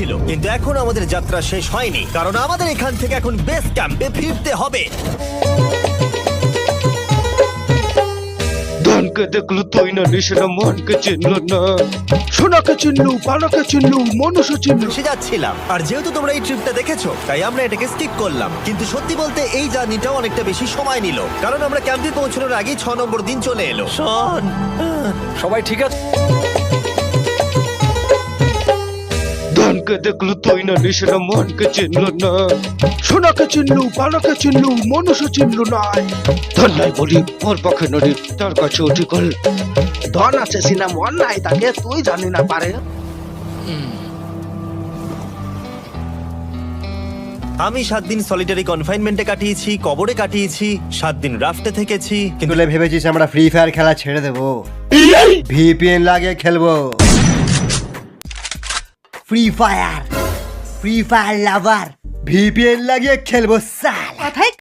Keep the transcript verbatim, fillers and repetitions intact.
ছিল, কিন্তু এখন আমাদের যাত্রা শেষ হয়নি, কারণ আমাদের এখান থেকে এখন বেস ক্যাম্পে ফিরতে হবে। ধনকে দেখলো তুই না নিশানা মনকে চিনল না, সোনাকে চিনলু, পানাকে চিনলু, মনুষ্য চিনলু। সে যাচ্ছিলাম, আর যেহেতু তোমরা এই ট্রিপটা দেখেছো তাই আমরা এটাকে স্কিপ করলাম। কিন্তু সত্যি বলতে এই জার্নিটাও অনেকটা বেশি সময় নিল, কারণ আমরা ক্যাম্পে পৌঁছানোর আগেই ছ নম্বর দিন চলে এলো। শন, সবাই ঠিক আছে? ধনকে দেখলো তুই না নিশানা মনকে চিনল না, সোনাকে চিনলু, পানাকে চিনলু, মনুষ্য চিনলু না। ধন নাই বলি ওর পক্ষে নদী, তার কাছে অধিকল। ধন আছে সিনা মন নাই তাকে, তুই জানি না পারে। আমি সাত দিন সলিটারি কনফাইনমেন্টে কাটিয়েছি, কবরে কাটিয়েছি, সাত দিন রাফটে থেকেছি, কিন্তু তুলে ভেবেছিস আমরা ফ্রি ফায়ার খেলা ছেড়ে দেবো? ভিপিএন লাগিয়ে খেলবো। Free Fire, Free Fire lover, VPN লাগিয়ে খেলবো সালা।